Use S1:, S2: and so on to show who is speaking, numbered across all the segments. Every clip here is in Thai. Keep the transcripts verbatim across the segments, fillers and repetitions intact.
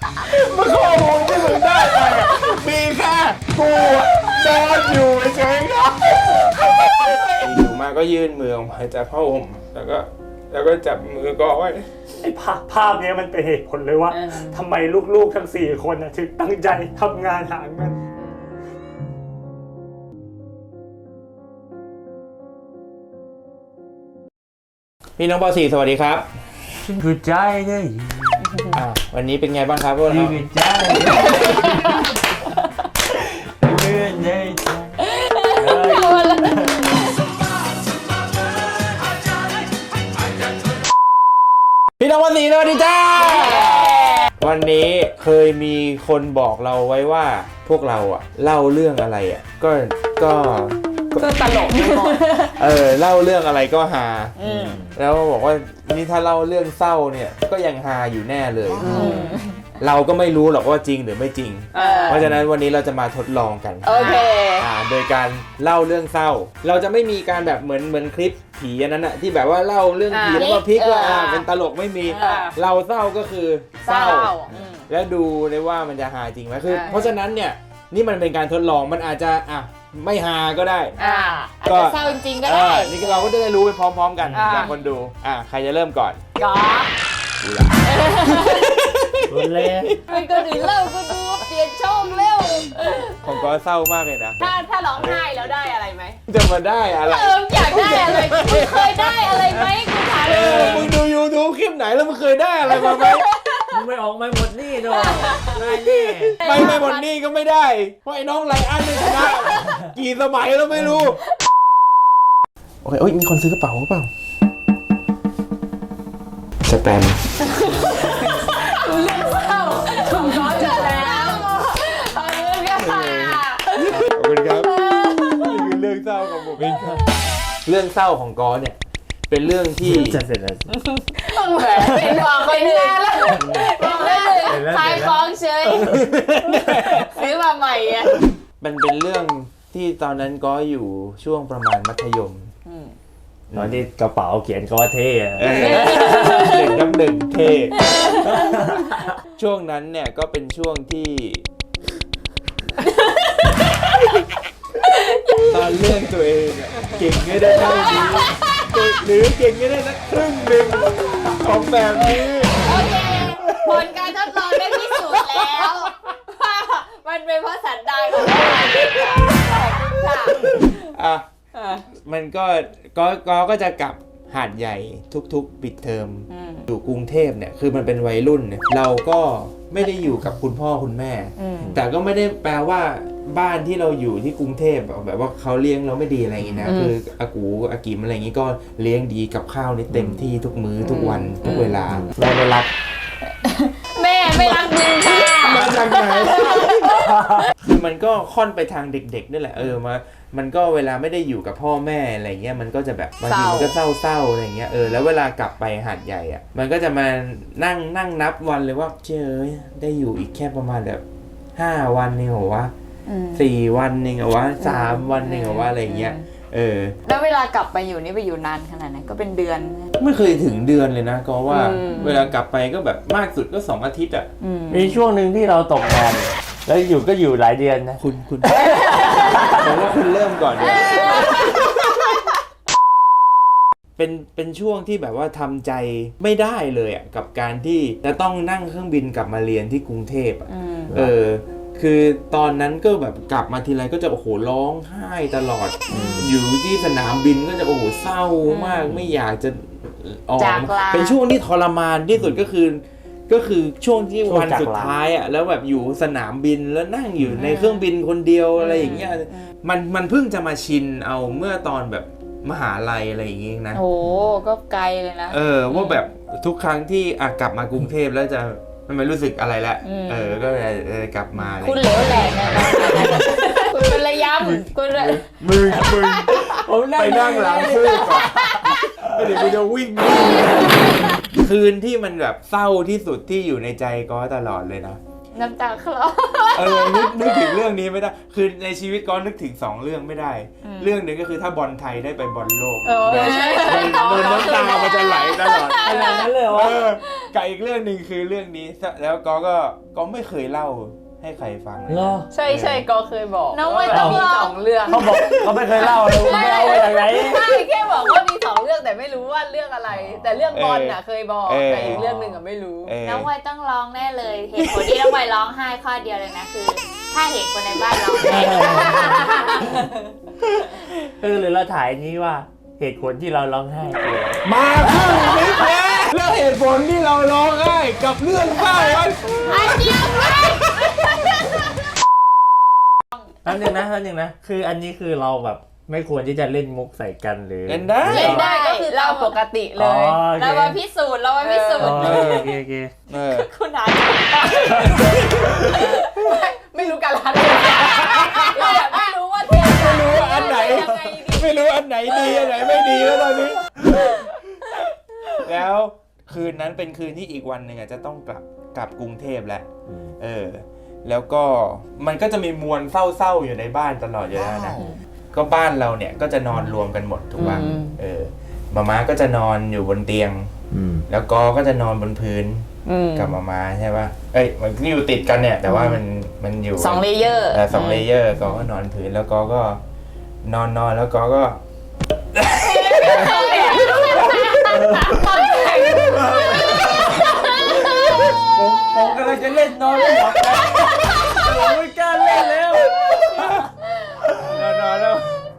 S1: มันข้อมูลที่มึงได้ไปมีแค่กูนอนอยู่เฉยๆครับอยู่มาก็ยื่นมือออกมาจากผ้าห่มแล้วก็แล้วก็จับมือก็ไว้
S2: ไอ้ภาพภาพนี้มันเป็นเหตุผลเลยว่าทำไมลูกๆทั้งสี่คนถึงตั้งใจทำงานหาเงิน
S1: พี่น้องป .สี่ สวัสดีครับ
S2: คือใจเนี่ย
S1: วันนี้เป็นไงบ้างครับพวกเรา
S2: คือใจเลื่อนเลย
S1: พี่น้องป .สี่ สวัสดีจ้าวันนี้เคยมีคนบอกเราไว้ว่าพวกเราอะเล่าเรื่องอะไรอะก็ก็
S3: ก็ตลกไปหมด
S1: เออเล่าเรื่องอะไรก็ฮาแล้วบอกว่านี่ถ้าเล่าเรื่องเศร้าเนี่ยก็ยังฮาอยู่แน่เลยเราก็ไม่รู้หรอกว่าจริงหรือไม่จริงเพราะฉะนั้นวันนี้เราจะมาทดลองกัน
S3: โอเค
S1: อ่าโดยการเล่าเรื่องเศร้าเราจะไม่มีการแบบเหมือนเหมือนคลิปผีอันนั้นอะที่แบบว่าเล่าเรื่องผีแล้วก็พลิกว่าอ่าเป็นตลกไม่มีเราเศร้าก็คือเศร้าแล้วดูเลยว่ามันจะฮาจริงไหมคือเพราะฉะนั้นเนี่ยนี่มันเป็นการทดลองมันอาจจะอ่ะไม่ฮาก็ได้
S3: อ่าอาจจะเศร้าจริงๆก็ได้
S1: นี่เราก็จะได้รู้ไปพร้อมๆกันจากคนดูอ่ะใครจะเริ่มก่อน
S3: ก๊อฟ
S1: กูละ
S2: คนเล่น
S3: ไม่ก็ดูเล่าก็ดูเปลี่ยนช่องเร็ว
S1: ของก๊อฟเศร้ามากเลยนะ
S3: ถ้าถ้าร้องไห้แล้วได้อะไรไหม
S1: จะมาได้อะไร
S3: เอออยากได้อะไรมึงเคยได้อะไรไหมกูถามเลย
S1: มึงดูยูทูบคลิปไหนแล้วมึงเคยได้อะไรมาไหม
S2: มึงไม่ออกไม่หมดนี่ด้วยได้นี่
S1: ไม่ไม่หมดนี่ก็ไม่ได้เพราะไอ้น้องไลอ้อนชนะกี่สมัยแล้วไม่รู้โอเคเอ้ยมีคนซื้อกระเป๋าหรือเปล่าสแตมป์
S3: เรื่องเศร้าถูกร้อนจัดแล้วขอบคุณค่ะ
S1: ขอบคุณครับนี่คือเรื่องเศร้าของผมเองครับเรื่องเศร้าของกอเนี่ยเป็นเรื่องที่
S2: จะเสร็จแล้ว
S3: ต้องแหวนเป็นบอกไปนานแล้วบอกเลยขายของเฉยซื้อมาใหม่อ่ะ
S1: มันเป็นเรื่องที่ตอนนั้นก็อยู่ช่วงประมาณมัธยม
S2: ตอนที่กระเป๋าเขียนก็ว่าเท่
S1: หนึ่งน้ำหนึ่งเท่ช่วงนั้นเนี่ยก็เป็นช่วงที่ตอนเรื่องตัวเองเก่งไม่ได้เท่านี้หรือเก่งไม่ได้สักครึ่งหนึ่งของแบบนี้
S3: โอเคผลการทดลองได้พิสูจน์แล้วว่ามันเป็นเพราะสันดานของเราค่ะ
S1: อ่ะมันก็ก็ก็ก็จะกลับหาดใหญ่ทุกๆปิดเทอมอยู่กรุงเทพเนี่ยคือมันเป็นวัยรุ่นเนี่ยเราก็ไม่ได้อยู่กับคุณพ่อคุณแม่แต่ก็ไม่ได้แปลว่าบ้านที่เราอยู่ที่กรุงเทพแบบว่าเขาเลี้ยงเราไม่ดีอะไรอย่างงี้นะคืออากูอากิมอะไรอย่างงี้ก็เลี้ยงดีกับข้าวนี่เต็มที่ทุกมื้อทุกวันทุกเวลาแม่ไม่รัก
S3: แม่ไม่รักมึงค่ะ
S1: มาจากไหนคือมันก็ค่อนไปทางเด็กๆนี่แหละเออมามันก็เวลาไม่ได้อยู่กับพ่อแม่อะไรเงี้ยมันก็จะแบบบางทีมันก็เศร้าๆอะไรเงี้ยเออแล้วเวลากลับไปหาดใหญ่อ่ะมันก็จะมานั่งนั่งนับวันเลยว่าเจ้ยได้อยู่อีกแค่ประมาณแบบห้าวันเองเหรอวะสี่วันเองเหรอวะสามวันเองเหรอวะอะไรเงี้ยเออ
S3: แล้วเวลากลับไปอยู่นี่ไปอยู่นานขนาดไหนก็เป็นเดือน
S1: ไม่เคยถึงเดือนเลยนะก็ว่าเวลากลับไปก็แบบมากสุดก็สองอาทิตย์อ่ะ
S2: มีช่วงหนึ่งที่เราตกงานแล้วอยู่ก็อยู่หลายเดือนนะ
S1: คุณคุณผมว่าคุณเริ่มก่อนเลยเป็นเป็นช่วงที่แบบว่าทำใจไม่ได้เลยอ่ะกับการที่จะต้องนั่งเครื่องบินกลับมาเรียนที่กรุงเทพอ่ะเออคือตอนนั้นก็แบบกลับมาทีไรก็จะโอ้โหร้องไห้ตลอดอยู่ที่สนามบินก็จะโอ้โหเศร้ามากไม่อยากจะออกเป็นช่วงที่ทรมานที่สุดก็คือก็คือช่วงที่วันสุดท้ายอ่ะแล้วแบบอยู่สนามบินแล้วนั่งอยู่ในเครื่องบินคนเดียวอะไรอย่างเงี้ยมันมันเพิ่งจะมาชินเอาเมื่อตอนแบบมหาลัยอะไรอย่างเงี้ยนะ
S3: โอ้ก็ไกลเลยนะ
S1: เออว่าแบบทุกครั้งที่อ่ะกลับมากรุงเทพแล้วจะมันไม่รู้สึกอะไรละเออก็เลยกลับมา
S3: คุณเหลวแหลกนะคุณเป็นระยำคุณ
S1: มึงมึงไปนั่งหลังคู่ก่อนเดี๋ยวกูจะวิ่งคืนที่มันแบบเศร้าที่สุดที่อยู่ในใจก็ตลอดเลยนะ
S3: น้ำตาคลอ
S1: เออนึกนึกถึงเรื่องนี้ไม่ได้คือในชีวิตก็นึกถึงสองเรื่องไม่ได้
S3: อืม
S1: เรื่องหนึ่งก็คือถ้าบอลไทยได้ไปบอลโลก
S3: เออใช่
S1: มันมันน้ำตามันจะไหลตลอด
S2: ขนาดนั้นเลยเหรอ
S1: เออกับอีกเรื่องหนึ่งคือเรื่องนี้แล้วก็ก็ก็ไม่เคยเล่าให้ใครฟังเลย
S2: เหรอ
S3: ใช่ใช่ก็เคยบอก
S4: น้องไม่
S3: ว่า
S4: ต้อง
S3: มี
S4: ลอง
S3: สองเรื่อง
S2: เขาบอกเขาไม่เคยเล่าเลยไม่เอามาจากไหน
S3: ใช่แค่บอกว่ามีสองเรื่องแต่ไม่รู้ว่าเรื่องอะไร แต่เรื่องบอลน่ะเคยบอกแต่อีกเรื่องหนึ่งอ่ะไม่รู้
S1: เออ
S4: น้องไวต้องร้องแน่เลย เหตุผลที่น้องไวร้องไห้ข้อเดียวเลยนะคือ ถ้าเห็นคนในบ้านร้องไห้
S2: เออหรือเราถ่ายนี้ว่าเหตุผลที่เราร้องไห้คืออะไร
S1: มาครึ่งนิดแล้วแล้วเหตุผลที่เราร้องไห้กับเรื่องเศร้ามัน
S4: อันเดียวกัน
S2: นั่นนึงนะนั่นนึงนะคืออันนี้คือเราแบบไม่ควรที่จะเล่นมุกใส่กันหรือ
S1: เล่นได้
S3: เล่นได้ก็คือเราปกติเลย
S2: อ๋อโอเค
S3: เรามาพิสูจน์เรามาพิสู
S2: อ๋
S3: จ
S2: อ
S3: น์
S2: โอเคโอเค
S1: เออ
S3: คุณอาจจะไม่รู้การละเทศะเราแบบไม่รู้ว่าเทศะ
S1: ไม่รู้ว่าอันไหน
S3: ยังไงดี
S1: ไม่รู้อันไหนดีอันไหนไม่ดีแล้วตอนนี้ แล้วคืนนั้นเป็นคืนที่อีกวันหนึ่งอ่ะจะต้องกลับกลับกรุงเทพแหละเออ แล้วก็มันก็จะมีมวลเศร้าๆอยู่ในบ้านตลอดอยู่แล้วนะก็บ้านเราเนี่ยก็จะนอนรวมกันหมดถูกป่ะเออมาม่าก็จะนอนอยู่บนเตียงแล้วก็ก็จะนอนบนพื้นกับมาม่าใช่ป่ะเอ้ยมันอยู่ติดกันเนี่ย แต่ว่ามันมันอยู่
S3: สองเลเยอร์
S1: เออสองเลเยอร์ก็ก็นอนพื้นแล้วก็ก็นอนนอนแล้วก็ก็
S2: ผมผมกำลังจะเล่นนอนไม่หลับกันผมไม่กล้าเล่นแล้ว
S1: นอนนอนแล้ว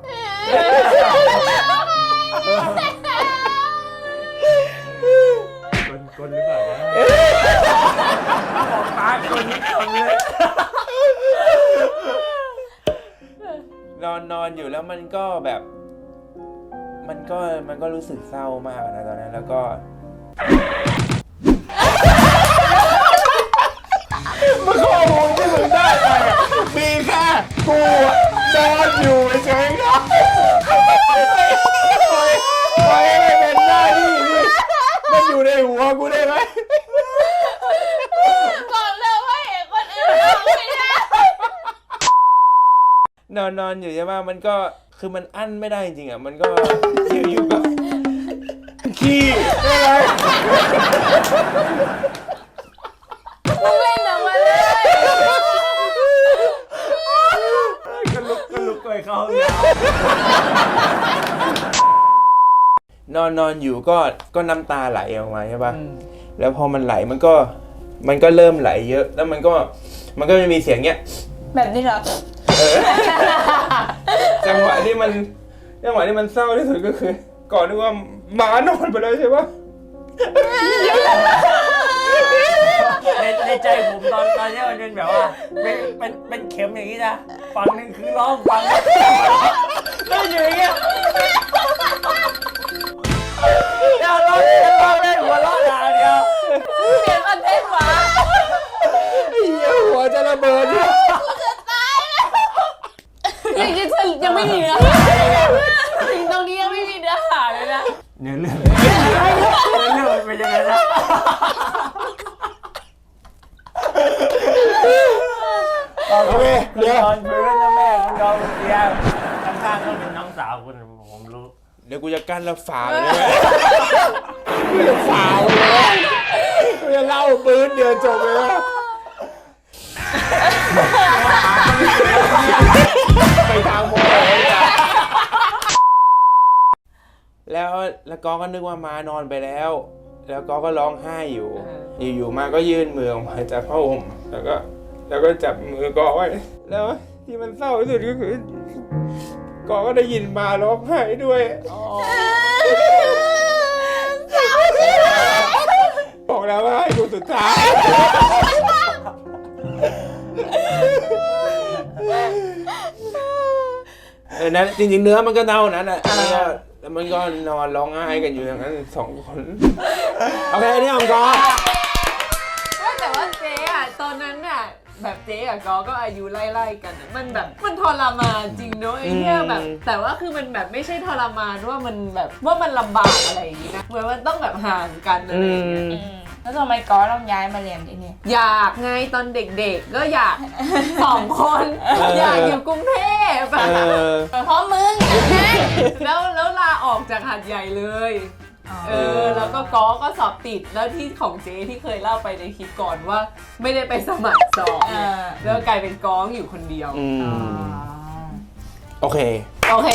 S2: คนคนหรือเปล่านะบอกปากคนนี้คนเลย
S1: นอนนอนอยู่แล้วมันก็แบบ มันก็มันก็รู้สึกเศร้ามากนะตอนนั้นแล้วก็มันข้อมูลที่มึงได้ไปอะมีแค่กูอะนอนอยู่เฉยๆครับปล่อยให้มันเป็นหน้าที่ที่มันอยู่ในหัวกูได้ไหม
S4: บอกเลยว่าเห็นคนอื่นร้องไม่ได้
S1: นอนนอนอยู่ใช่ไหมมันก็คือมันอั้นไม่ได้จริงๆอ่ะมันก็อยู่ๆก็ขี้ได้ไหม
S3: มึงเล่นหนังมาเลย
S2: ก็ลุกก็ลุกไปเขา
S1: นอนนอนอยู่ก็ก็น้ำตาไหลออกมาใช่ป่ะแล้วพอมันไหลมันก็มันก็เริ่มไหลเยอะ แล้วมันก็มันก็จะมีเสียงเงี้ย
S3: แบบนี้เหรอ
S1: เออ จังหวะที่มันจังหวะที่มันเศร้าที่สุดก็คือ ก่อนนึกว่าหมานอนไปแล้วใช่ป่ะ
S2: ในในใจผมตอนตอนนี้มันเป็นแบบว่าเป็นเป็นเป็นเข็มอย่างนี้นะฝั่งหนึ่งคือร้องฝั่งหนึ่งก็อยู่อย่างเงี้ยเดี๋ยวร้องเดี๋ยวร้องได้หัวเราะด่าเดียว
S3: เสียงคอนเทนต์หวา
S1: ไอ้เหี้ยหัวจะระเบิด
S3: ยังยังยังไม่มีเนื้อถึงตรงนี้ยังไม่มีเนื้อหาเลยนะ
S2: เนื้อเรื่องเนื้อเรื่องมันเป็นยังไงนะ
S1: โอเคเดี๋ยว
S2: นอนพื้นนะแม่คุณยอมเตียงข้างๆก็เป็นน้องสาวคุณผมรู้
S1: เดี๋ยวกูจะกั้นแล้วฝาเลยไหมกูจะฝาเลยกูจะเล่าปืนเดี๋ยวจบเลยนะไปทางโมโหจ้ะแล้วแล้วก็ก็นึกว่ามานอนไปแล้ว แล้วก็ก็ร้องไห้อยู่ อยู่ๆมาก็ยื่นมือออกมาจากผ้าห่มแล้วก็ แล้วก็จับมือกอไว้ แล้วที่มันเศร้าที่สุดก็คือกอก็ได้ยินมาร้องไห้ด้วยบอกแล้วว่าให้ดูสุดท้ายเออนั้นจริงๆเนื้อมันก็เน่านั้นอ่ะแล้วก็แล้วมันก็นอนร้องไห้กันอยู่อย่างนั้นสองคนโอเคอันนี้อมกอ
S3: แต่ว่าเจ๊อะตอนนั้นน่ะแบบเจ๊กับกอก็อายุไล่ๆกันอะมันแบบมันทรมานจริงเนอะไอ้เนี่ยแบบ แต่ว่าคือมันแบบไม่ใช่ทรมานว่ามันแบบว่ามันลำบากอะไรอย่างงี้นะเหมือนมันต้องแบบห่างกันอะไรอย่างเงี้ย
S4: แล้วทำไมก้อต้องย้ายมาเรียนที่นี่
S3: อยากไงตอนเด็กๆก็อยากสองคนอยากอยู่กรุงเทพ
S1: เออ
S4: เพราะมึง
S3: แล้วแล้วลาออกจากหาดใหญ่เลยเออแล้วก็ก้อก็สอบติดแล้วที่ของเจ๊ที่เคยเล่าไปในคลิปก่อนว่าไม่ได้ไปสมัครสอบ
S4: เออ
S3: แล้วกลายเป็นก้องอยู่คนเดียว
S1: อืมโอเค
S3: โอเค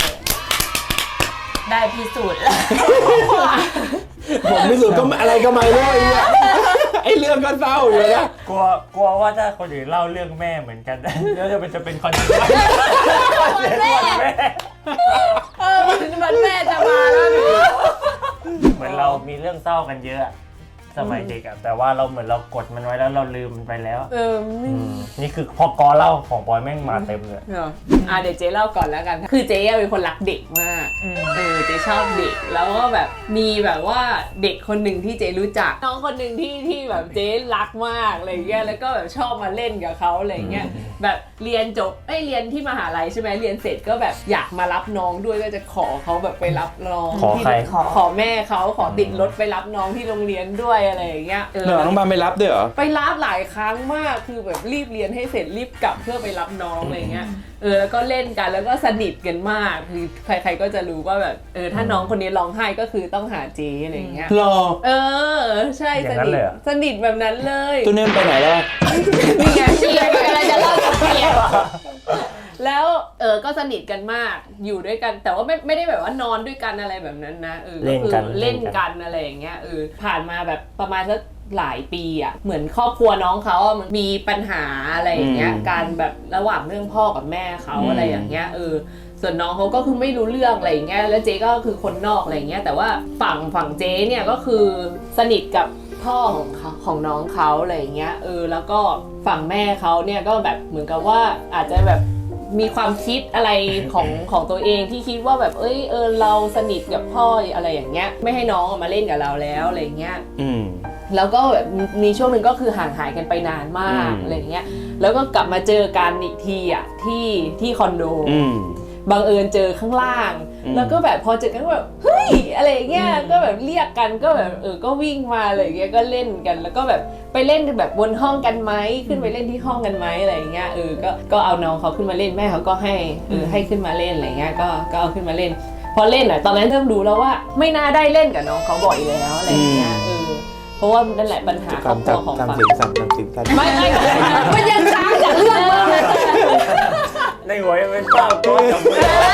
S4: ได้พิสูจน์แล้ว
S1: ผมพิสูจน์ก็อะไรก็ไม่รู้ไอ้เนี่ยไอ้เรื่องก็เศร้าอยู่นะ
S2: กลัวกลัวว่าถ้าคนอื่นเล่าเรื่องแม่เหมือนกันแล้วจะเป็นจะเป็นคอนเทนต์
S4: แม่
S2: แม่
S3: เออมันแม่จะมาแล้วหนู
S2: เหมือนเรามีเรื่องเศร้ากันเยอะสมัยเด็กอะแต่ว่าเราเหมือนเรากดมันไว้แล้วเราลืมมันไปแล้ว
S3: เออไม่
S2: นี่คือพอกอเล่าของบอยแม่งมาเต็มเลย
S3: เอออ่ะเดี๋ยวเจ๊เล่าก่อนแล้วกัน คือเจ๊เป็นคนรักเด็กมาก เออเจ๊ชอบเด็ก แล้วก็แบบมีแบบว่าเด็กคนหนึ่งที่เจ๊รู้จัก น้องคนหนึ่งที่ที่แบบเจ๊รักมากอะไรเงี้ย แล้วก็แบบชอบมาเล่นกับเขาอะไรเงี้ย แบบเรียนจบเอ้ยเรียนที่มหาลัยใช่ไหมเรียนเสร็จก็แบบอยากมารับน้องด้วยก็จะขอเขาแบบไปรับน้อง
S2: ขอใคร
S3: ที่ขอขอแม่เขาขอติดรถไปรับน้องที่โรงเรียนด้วยอะไรอย่างเงี้ยเออ
S1: เหรอน้องบามไปรับด้วยเหรอ
S3: ไปรับหลายครั้งมากคือแบบรีบเรียนให้เสร็จรีบกลับเพื่อไปรับน้องอะไรเงี้ยเออแล้วก็เล่นกันแล้วก็สนิทกันมากคือใครๆก็จะรู้ว่าแบบเออถ้าน้องคนนี้ร้องไห้ก็คือต้องหาเจ๊อะไรเงี้ย
S1: รอ
S3: เออใช่
S2: อ
S3: ส
S2: ย่างนั้น
S3: นิท
S2: เลยเหรอ
S3: สนิทแบบนั้นเลย
S1: ตัวนี้มันไปไหนแล้ว
S3: นี่ไง
S4: เชียร์กำลังจะเล่ากับเชียร์
S3: แล้วเออก็สนิทกันมากอยู่ด้วยกัน แต่ว่าไม่ไม่ได้แบบว่านอนด้วยกันอะไรแบบนั้นนะเออ
S2: เล่นกัน
S3: คือเล่นกันอะไรอย่างเงี้ยเออผ่านมาแบบประมาณสักหลายปีอ่ะเหมือนครอบครัวน้องเขาอะมันมีปัญหาอะไรอย่างเงี้ย
S1: อืม
S3: การแบบระหว่างเรื่องพ่อกับแม่เขา
S1: อืม
S3: อะไรอย่างเงี้ยเออส่วนน้องเขาก็คือไม่รู้เรื่องอะไรอย่างเงี้ยแล้วเจ๊ก็คือคนนอกอะไรอย่างเงี้ยแต่ว่าฝั่งฝั่งเจ๊เนี่ยก็คือสนิทกับพ่อของเขาของน้องเขาอะไรอย่างเงี้ยเออแล้วก็ฝั่งแม่เขาเนี่ยก็แบบเหมือนกับว่าอาจจะแบบมีความคิดอะไรของของตัวเองที่คิดว่าแบบเอ้ยเออเราสนิทกับพ่ออะไรอย่างเงี้ยไม่ให้น้องมาเล่นกับเราแล้วอะไรอย่างเงี้ย
S1: อืม
S3: แล้วก็แบบมีช่วงหนึ่งก็คือห่างหายกันไปนานมาก
S1: อืม
S3: อะไรอย่างเงี้ยแล้วก็กลับมาเจอกันอีกทีอ่ะที่ที่คอนโด
S1: อืม
S3: บังเอิญเจอข้างล่าง
S1: อืม
S3: แล้วก็แบบพอเจอกันก็แบบเฮ้ยอะไรอย่างเงี้ยก็แบบเรียกกันก็แบบเออก็วิ่งมาอะไรอย่างเงี้ยก็เล่นกัน แล้วก็แบบไปเล่นแบบบนห้องกันไหมขึ้นไปเล่นที่ห้องกันไหมอะไรอย่างเงี้ยเออก็ก็เอาน้องเขาขึ้นมาเล่นแม่เขาก็ให้เออให้ขึ้นมาเล่นอะไรเงี้ยก็ก็เอาขึ้นมาเล่น พอเล่นอ่ะตอนนั้นเริ่มรู้แล้วว่าไม่น่าได้เล่นกับน้องเขาบ่อยแล้วอะไรอย่างเงี้ยเออเพราะว่านั่นแหละปัญหาครอบครัวของ
S1: ทำ
S3: ฝั่ง
S1: เสียงสั่นทำเสียงสั่น
S3: ไม่ไม่มันยังช้าจากเรื่องมากเลย
S2: ในหัวยังเป็นเศร้าตัวจับมือ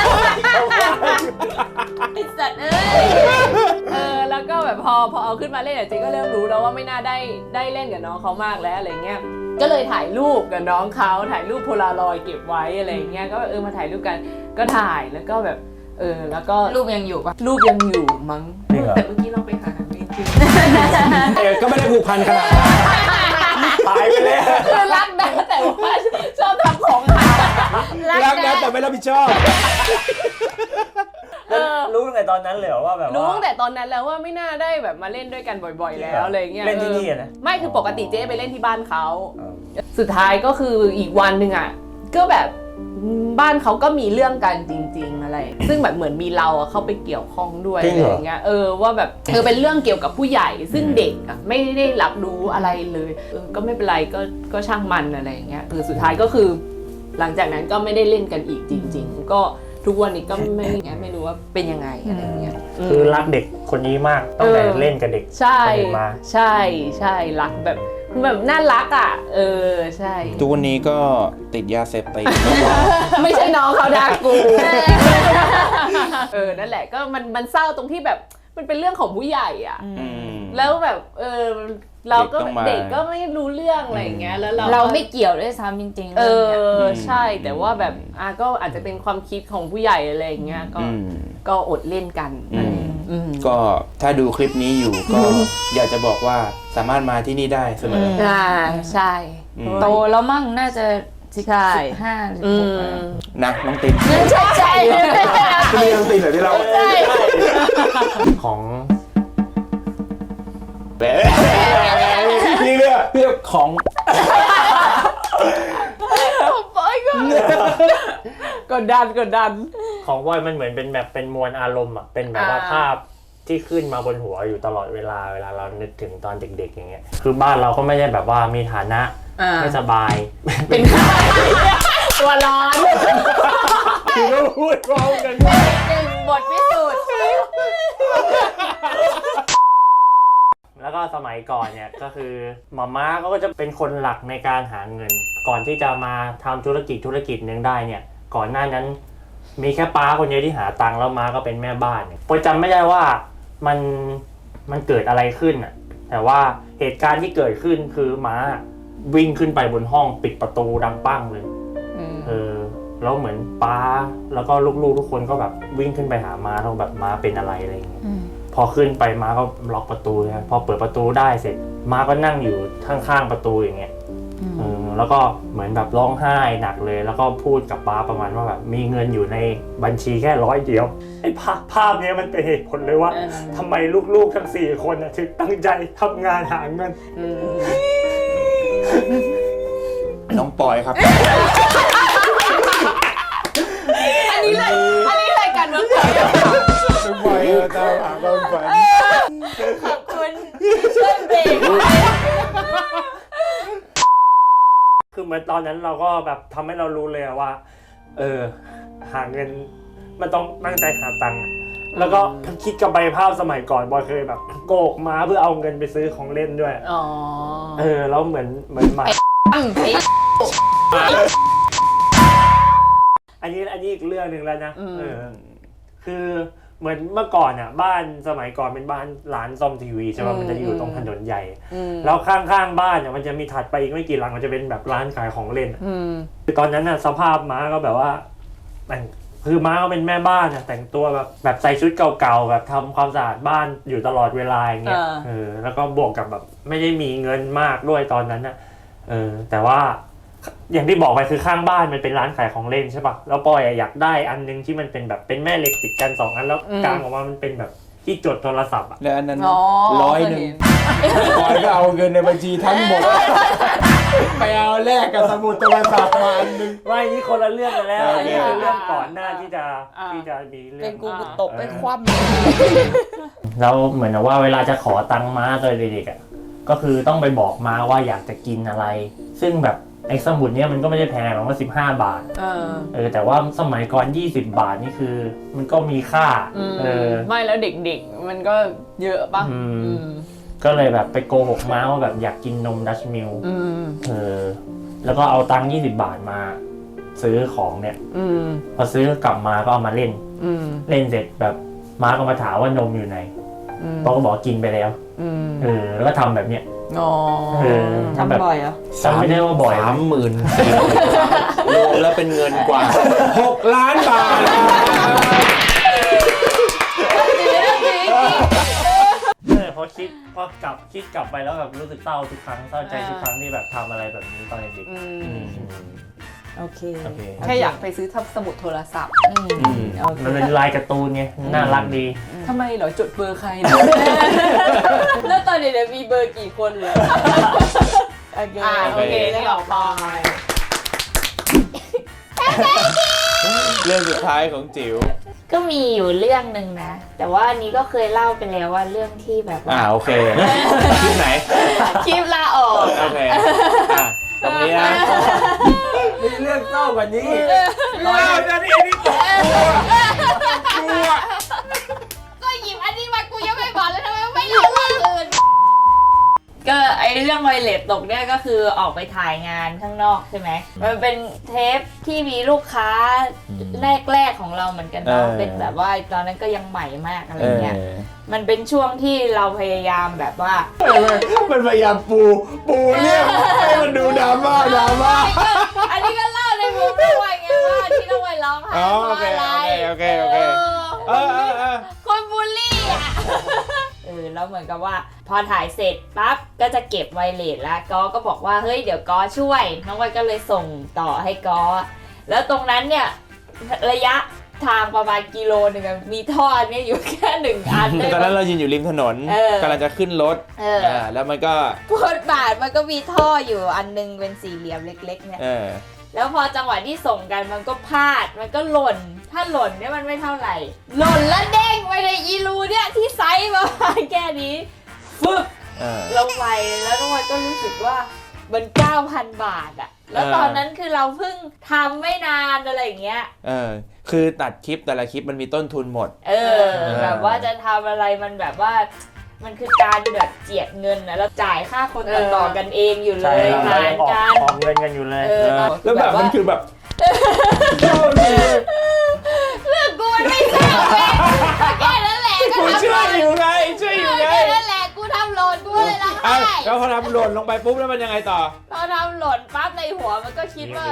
S4: ไอ้สัตว์เอ้ย
S3: เออแล้วก็แบบพอพอเอาขึ้นมาเล่นอะเจ๊ก็เริ่มรู้แล้วว่าไม่น่าได้ได้เล่นกับน้องเขามากแล้วอะไรเงี้ยก็เลยถ่ายรูปกับน้องเขาถ่ายรูปโพลารอยด์เก็บไว้อะไรเงี้ยก็แบบเออมาถ่ายรูปกันก็ถ่ายแล้วก็แบบเออแล้วก็
S4: รูปยังอยู่ปะ
S3: รูปยังอยู่มั้ง
S2: จริงเหรอ
S3: แต่เมื่อกี้เราไปหาไม่เจอ
S1: เออก็ไม่ได้ผูกพันขนาดนั้น
S2: หายไปแล้ว
S3: คือรักนะแต่ว่าชอบทำของหาย
S1: รักนะแต่ไม่รับผิดชอบ
S3: เออ
S2: รู้ตั้งแต่ตอนนั้นเลยเหรอว่าแบบว่า
S3: รู้ตั้งแต่ตอนนั้นแล้วว่าไม่น่าได้แบบมาเล่นด้วยกันบ่อยๆ แล้วอะไรเงี้ย
S2: เล่นที่นี่อะนะ
S3: เออไม่คือปกติเจ๊ไปเล่นที่บ้านเขาสุดท้ายก็คืออีกวันหนึ่งอ่ะก็แบบบ้านเขาก็มีเรื่องกันจริง ๆอะไร ซึ่งแบบเหมือนมีเราอะเข้าไปเกี่ยวข้องด้วย
S1: จริ
S3: อะ
S1: ง
S3: ไร
S1: เหรอ
S3: อย่างเงี้ยเออว่าแบบเออเป็นเรื่องเกี่ยวกับผู้ใหญ่ ซึ่งเด็กอ่ะไม่ได้รับรู้อะไรเลยเออก็ไม่เป็นไรก็ก็ช่างมันอะไรอย่างเงี้ยเออสุดท้ายก็คือ หลังจากนั้นก็ไม่ได้เล่นกันอีกจริง ๆ ก็ทุกวันนี้ก็ไม่ไงไม่รู้ว่าเป็นยังไงอะไรอย่างเงี้ย
S2: คือรักเด็กคนนี้มากตั้งแต่เล่นกับเด็ก
S3: ใช่
S2: คนอื่นมา
S3: ใช่ใช่รักแบบคือแบบน่ารักอ่ะเออใช่
S1: ทุกวันนี้ก็ติดยาเสพติด
S3: ไม่ใช่น้องเขาดากูเออนั่นแหละก็มันมันเศร้าตรงที่แบบมันเป็นเรื่องของผู้ใหญ่อ่ะ
S1: อืม
S3: แล้วแบบเออเราก็
S1: เด็กต้องมา
S3: เด็กก็ไม่รู้เรื่องอะไรอย่างเงี้ยแล้วเรา
S4: เรา
S3: ก็
S4: ไม่เกี่ยวด้วยซ้ำจริงๆ
S3: เอ
S4: รื่องเนี่ย
S3: อใช่แต่ว่าแบบอ่ะก็อาจจะเป็นความคิดของผู้ใหญ่อะไรอย่างเงี้ยก็
S1: อืม
S3: ก็อดเล่นกัน
S1: อืม
S3: อืม
S1: ก็ถ้าดูคลิปนี้อยู่ก็อยากจะบอกว่าสามารถมาที่นี่ได้เสมอ
S3: อ่าใช่
S1: อืม
S4: โตแล้วมั่งน่าจะสิบ
S3: ใช่
S4: ห้าสิบ
S3: อื
S4: หก
S3: ม
S4: แล้ว
S1: นะน้องติน
S4: ใช่ใช่
S1: ที่นี่น้องตินแบบที่เรา
S4: ใช่
S2: ของ
S1: แหมนี่เรื่องเรื่องของ
S3: ปอยก็กดดันกดดัน
S2: ของบอยมันเหมือนเป็นแบบเป็นมวลอารมณ์อ่ะเป็นแบบว่า
S3: อ่า
S2: ภาพที่ขึ้นมาบนหัวอยู่ตลอดเวลาเวลาเรานึกถึงตอนเด็กๆอย่างเงี้ยคือบ้านเราก็ไม่ได้แบบว่ามีฐานะไม่สบาย
S3: เป็นใครตัวร้อน
S2: คือก็พูดพร้อมกัน
S3: หนึ่งบทพิสูจน์
S2: แล้วก็สมัยก่อนเนี่ยก็คือหม่าม้าก็จะเป็นคนหลักในการหาเงิน ก่อนที่จะมาทำธุรกิจธุรกิจนึงได้เนี่ยก่อนหน้านั้นมีแค่ป้าคนเดียวที่หาตังค์แล้วม้าก็เป็นแม่บ้านเนี่ยผมจำไม่ได้ว่ามันมันเกิดอะไรขึ้นอ่ะแต่ว่าเหตุการณ์ที่เกิดขึ้นคือม้าวิ่งขึ้นไปบนห้องปิดประตูดังปั้งเลยเออแล้วเหมือนป้าแล้วก็ลูกๆทุกคนก็แบบวิ่งขึ้นไปหาม้าแล้วแบบม้าเป็นอะไรอะไรอย่างเงี้ยพอขึ้นไปม้าก็ล็อกประตูนะพอเปิดประตูได้เสร็จม้าก็นั่งอยู่ข้างๆประตูอย่างเงี้ยเออแล้วก็เหมือนแบบร้องไห้หนักเลยแล้วก็พูดกับป้าประมาณว่าแบบมีเงินอยู่ในบัญชีแค่ร้อยเดียวไอ้ภาพภาพนี้มันเป็นเหตุผลเลยว่าทำไมลูกๆทั้งสี่คนถึงตั้งใจทำงานหาเงิน
S1: น้องปอยครับ
S3: อันนี้เลยอันนี้รายการเมืองไทย
S1: น้องปอยตามหาความฝัน
S3: ขอบคุณช่วยเบรก
S2: คือเหมือนตอนนั้นเราก็แบบทำให้เรารู้เลยว่าเออหาเงินมันต้องตั้งใจหาตังค์แล้วก็คิดกับใบภาพสมัยก่อนบอยเคยแบบโกกม้าเพื่อเอาเงินไปซื้อของเล่นด้วยอ๋อเออแล้วเหมือนเหมือนหมาอันนี้อันนี้อีกเรื่องหนึ่งแล้วนะเออคือเหมือนเมื่อก่อนอ่ะบ้านสมัยก่อนเป็นบ้านร้านซ่อมทีวีใช่ไหมมันจะอยู่ตรงถนนใหญ่แล้วข้างๆบ้านเนี่ยมันจะมีถัดไปอีกไม่กี่หลังมันจะเป็นแบบร้านขายของเล่นคือตอนนั้นน่ะสภาพม้าก็แบบว่าแต่งคือม้าก็เป็นแม่บ้านอ่ะแต่งตัวแบบแบบใส่ชุดเก่าๆแบบทำความสะอาดบ้านอยู่ตลอดเวลาอย่างเงี้ยเออแล้วก็บวกกับแบบไม่ได้มีเงินมากด้วยตอนนั้นน่ะเออแต่ว่าอย่างที่บอกไปคือข้างบ้านมันเป็นร้านขายของเล่นใช่ป่ะแล้วปอยอยากได้อันนึงที่มันเป็นแบบเป็นแม่เหล็กติดกันสองอันแล้วกลางออกมามันเป็นแบบที่จดโทรศัพท์อ่ะ
S1: แล้วอันนั้นร้อยหนึ่งปอยก็เอาเงินในบัญชีทั้งหมดไปเอาแลกกับสมุดโทรศัพท์มาอันนึง
S2: ว่านี่คนละเรื่องกันแล้วอันนี้คือเรื่องก่อนหน้าที่จะที่จะมีเรื่อง
S3: เป็นกูตกไปคว่
S2: ำแล้วเหมือนว่าเวลาจะขอตังค์ม้าตอนเด็กๆอ่ะก็คือต้องไปบอกม้าว่าอยากจะกินอะไรซึ่งแบบไอ้สมุดเนี้ยมันก็ไม่ได้แพงหรอกว่าสิบห้าบาทเออเออแต่ว่าสมัยก่อนยี่สิบบาทนี่คือมันก็มีค่า
S3: เออไม่แล้วเด็กๆมันก็เยอะป่ะ
S2: ก็เลยแบบไปโกหกม้าว่าแบบอยากกินนมดัชมิลเออแล้วก็เอาตังค์ยี่สิบบาทมาซื้อของเนี่ยพอซื้อกลับมาก็เอามาเล่นเล่นเสร็จแบบม้าก็มาถามว่านมอยู่ไหนพ่อก็บอกกินไปแล้วเออแล้วก็ทำแบบเนี้ย
S3: อ๋อทำบ่อยอ่ะ
S2: จำไม่ได้ว่าบ่อย
S1: สามหมื่นรวมแล้วเป็นเงินกว่าหกล้านบาท
S2: พอคิดพอกลับคิดกลับไปแล้วแบบรู้สึกเศร้าทุกครั้งเศร้าใจทุกครั้งที่แบบทำอะไรแบบนี้ตอนเด็ก
S3: โอเคแค่อยากไปซื้อทับสมุดโทรศัพท์
S2: มันเป็นลายการ์ตูนไงน่ารักดี
S3: ทำไมเหรอจดเบอร์ใครแล้วตอนเด็กๆมีเบอร์กี่คนเลยโอเคโอเคได้ออกไป
S1: เรื่องสุดท้ายของจิ๋ว
S4: ก็มีอยู่เรื่องหนึ่งนะแต่ว่าอันนี้ก็เคยเล่าไปแล้วว่าเรื่องที่แบบ
S1: อ่าโอเคคลิปไหน
S4: คลิปลาออก
S1: โอเคอ่ะตรงนี้นะ
S2: มีเรื่องเศร้ากว่านี้
S1: เล่าจะนี่นี่ตกกลัว
S4: ก็หยิบอันนี้มากูยังไม่บอกเลยทำไมไม่เล่าเรื่องอื่นก็ไอเรื่องไวเลสตกเนี่ยก็คือออกไปถ่ายงานข้างนอกใช่ไหมมันเป็นเทปที่มีลูกค้าแรกๆของเราเหมือนกันเนาะเป็นแบบว่าตอนนั้นก็ยังใหม่มากอะไรเงี้ยมันเป็นช่วงที่เราพยายามแบบว่า
S1: มันพยายามปูปูเนี่ยให้มันดูดราม่าดราม่า
S4: อันนี้ก็เล่าในมุมด้วยไงว่าที่ต้องไปร้องไห้เพราะอะไร
S1: โอเคโอเคเออเออเออ
S4: คนบูลลี่อ่ะเออแล้วเหมือนกับว่าพอถ่ายเสร็จปั๊บก็จะเก็บไวเลสแล้วก็ก็บอกว่าเฮ้ยเดี๋ยวก็ช่วยน้องไวก็เลยส่งต่อให้ก็แล้วตรงนั้นเนี่ยระยะทางประมาณกิโลนึงมีท่อเนี่ยอยู่แค่หนึ่งอัน
S1: ตอนนั้นเรายืนอยู่ริมถนนกำลังจะขึ้นรถแล้วมันก็
S4: ฟุตบาทมันก็มีท่ออยู่อันนึงเป็นสี่เหลี่ยมเล็กๆเนี่ยแล้วพอจังหวะที่ส่งกันมันก็พลาดมันก็หล่นถ้าหล่นเนี่ยมันไม่เท่าไหร่หล่นแล้วเด้งไปในอีรูเนี่ยที่ไซส์ประมาณแค่นี้ฟึบ
S1: เออ
S4: ลงไปแล้วน้องวันก็รู้สึกว่ามัน เก้าพัน บาทอะแล้วตอนนั้นคือเราเพิ่งทำไม่นานอะไรอย่างเงี้ย
S1: เออคือตัดคลิปแต่ละคลิปมันมีต้นทุนหมด
S4: เออแบบว่าจะทำอะไรมันแบบว่ามันคือการแบบเจียดเงินนะแล้วจ่ายค่าคนต่อต่อกันเองอยู่เล
S2: ใช่
S4: ย
S2: เรา
S4: หาร
S2: ยังออก
S4: กัน
S2: ออกเงินกันอยู่เลย
S4: เออ
S1: แล้วแบบมันคือแบบ
S4: เรื่องกูมันไม่ทราบเลยแค่นั้นแหละก็
S1: กู
S4: ทำ
S1: ช่
S4: ห
S1: ว
S4: ล่
S1: ย
S4: น
S1: อยู่ไงช่วยอยู่ไง
S4: แค่นั้นแหละกูทำหล่นกูเลยร้อง
S1: อ่ะ
S4: ไห้
S1: แล้วพอทำหล่นลงไปปุ๊บแล้วมันยังไงต่อ
S4: พอทำหล่นปั๊บในหัวมันก็คิดว่า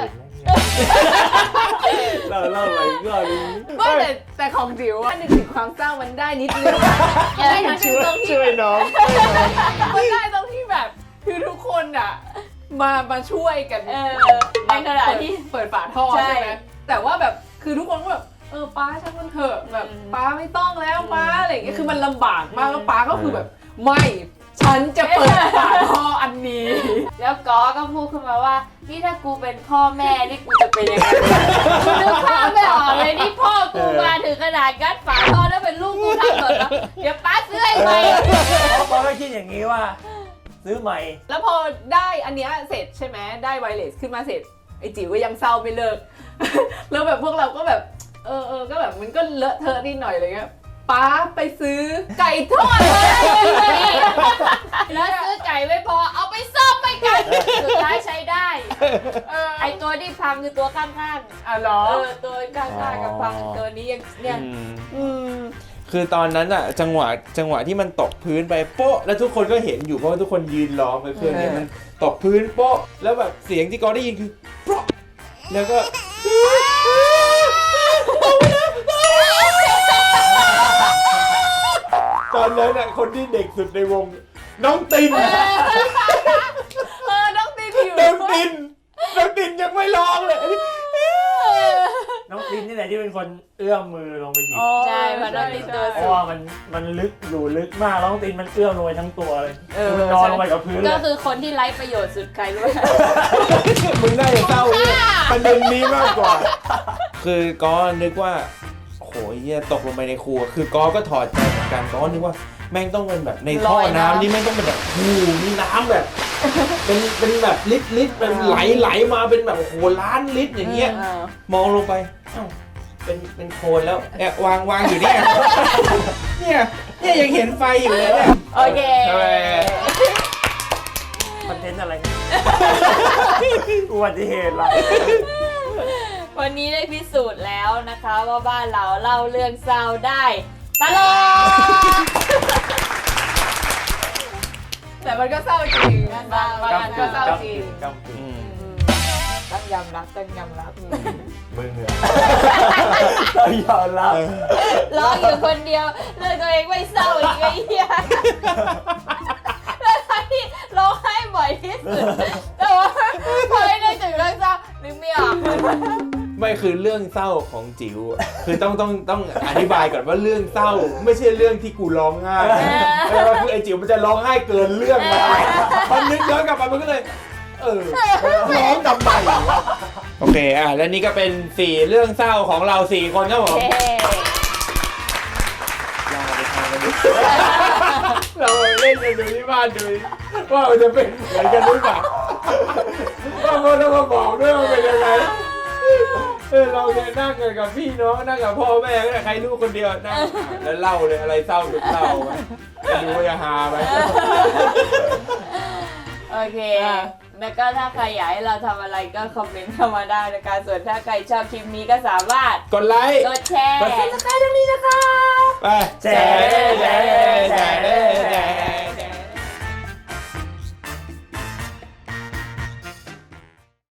S1: เราเล่าไปก็รู้
S3: ไม่แต่แต่ของจิ๋วอะนึกถึงความเศร้ามันได้นิดนึงได้นิดนึงตรงที่
S1: ช่วยน้อง
S3: มันได้ตรงที่แบบคือทุกคนอ่ะมามาช่วยกัน
S4: เออในขณะที่
S3: เปิดฝาท่อ
S4: ใช่
S3: ใช่ไหมแต่ว่าแบบคือทุกคนก็แบบเออป้าช่างมันเถอะแบบ
S4: อืม
S3: ป้าไม่ต้องแล้วป้าอะไรอย่างเงี้ย
S4: อืม
S3: คือมันลำบากมากแล้วป้าก็คือแบบไม่ฉันจะเปิดฝาท่ออันนี้
S4: แล้วก็ก็พูดขึ้นมาว่านี่ถ้ากูเป็นพ่อแม่นี่กูจะเป็นยังไงกูนึกภาพไม่ออกเลยนี่พ่อกูมาถึงขนาดกัดฝาท่อแล้วเป็นลูกกูทำหล่นแล้วเดี๋ยวป้าซื้อให้ใหม่
S2: เพราะก็คิดอย่างนี้ว่า ซื้อใหม่
S3: แล้วพอได้อันเนี้ยเสร็จใช่ไหมได้ไวเลสขึ้นมาเสร็จไอจิ๋วก็ยังเศร้าไม่เลิก แล้วแบบพวกเราก็แบบเออเออก็แบบมันก็เลอะเทอะนิดหน่อยอะไรเงี้ยป้าไปซื้อไก่ทอดเลย
S4: แล้วซื้อไก่ไม่พอเอาไปซ่อมไปกันสุดท้ายใช้ได้
S3: เออ
S4: ไอตัวที่พังคือตัวข้าง
S3: อ่ะเหรอ
S4: ๆเออตัวข้างๆกับพังตัวนี้ยังเนี่ย
S1: อืม
S3: อืม
S1: คือตอนนั้นอะจังหวะจังหวะที่มันตกพื้นไปโป๊ะแล้วทุกคนก็เห็นอยู่เพราะว่าทุกคนยืนล้อมไปเครื่องนี้
S3: เออ
S1: มันตกพื้นโป๊ะแล้วแบบเสียงที่กอได้ยินคือโป๊ะแล้วก็ตอนนั้นอะคนที่เด็กสุดในวงน้องติน
S3: เออน้องตีนอยู่
S1: น้องตินน้องตินยังไม่ร้องเลย
S2: น้องตินนี่แหละที่เป็นคนเอื้อมมือลงไปหยิบ
S4: ใช่เพราะน้องตินตัว
S2: เพ
S4: สู
S2: ราะ
S4: ง
S2: ว่ามันมันลึกอยู่ลึกมากแล้วน้องตินมันเอื้อมลงไปทั้งตัวเลย
S3: เออ
S2: มันนอนลงไปกับพื้นเล
S4: ก็
S2: ย
S4: คือคนที่ไร้ประโยชน์สุดใครรู้ไหม
S1: มึงน่าจะเศร้าเนี่ยประเด็นนี้มากกว่า คือก็นึกว่าโหเฮียตกลงไปในครัวคือก็ก็ถอดใจเหมือนกันก็นึกว่าแม่งต้องเป็นแบบในท่อน้ำนี่แม่งต้องเป็นแบบหูมีน้ำแบบ เป็นเป็นแบบลิตรลิตรเป็นไหลไหลมาเป็นแบบโอ้โหล้านลิตรอย่างเงี้ย
S3: เออ
S1: มองลงไปเอ้าเป็นเป็นโคลนแล้วเนี่ยวางวางอยู่เนี่ยเนี่ยเนี่ยยังเห็นไฟอยู่เลยเนี่ย
S4: โอเค
S1: ทำไม
S2: คอนเทนต์อะไรเนี่ยอุบัติเหตุละ
S4: วันนี้ได้พิสูจน์แล้วนะคะว่าบ้านเราเล่าเรื่องเศร้าได้ตลอด
S3: แต่มันก็เศร้าจริง
S4: มันเศร้า
S3: บางอันก็เศร้าจริง
S2: กำกึ่ง
S1: อืม
S4: ต้องยอมรับต้องยอมรับ
S2: มึงเหรอต้องยอมรับ
S4: ร้องอยู่คนเดียวเรื่องตัวเองไม่เศร้าอีกไอ้เหี้ยแล้วที่ร้องไห้บ่อยที่สุดแต่ว่าพอไม่ได้ถึงเรื่องเศร้านึกไม่ออก
S1: ไม่คือเรื่องเศร้าของจิ๋วอะคือต้องต้องต้องอธิบายก่อนว่าเรื่องเศร้า ไม่ใช่เรื่องที่กูร้องไห้แต่ว่าคือไอ้จิ๋วมันจะร้องไห้เกินเรื่องมาพอนึกย้อนกลับมามันก็เลย เออร้องทำไมวะโอเคอ่ะและนี่ก็เป็นสี่เรื่องเศร้าของเราสี่คนครับผม
S4: เฮ้
S1: ลาไปทางกันดิเราเล่นกันดูที่บ้านดูว่ามันจะเป็นเหมือนกันหรือเปล่าว่ามันต้องมาบอกด้วยว่าเป็นยังไงเออเราเนี่ยนั่งกันกับพี่น้องนั่งกับพ่อแม่ก็ได้ใครลูกคนเดียวนั่งแล้วเล่าเลยอะไรเศร้าหรือเศร้าจะดูว่าจะฮาไหม
S4: โอเค แล้วก็ถ้าใครอยากให้เราทำอะไรก็คอมเมนต์เข้ามาได้นะคะ ส่วนถ้าใครชอบคลิปนี้ก็สามารถ
S1: กดไลค์
S4: กดแชร์
S1: กดซับสไครบ์ตรงนี้นะคะไปแชร์แชร์แชร์แชร์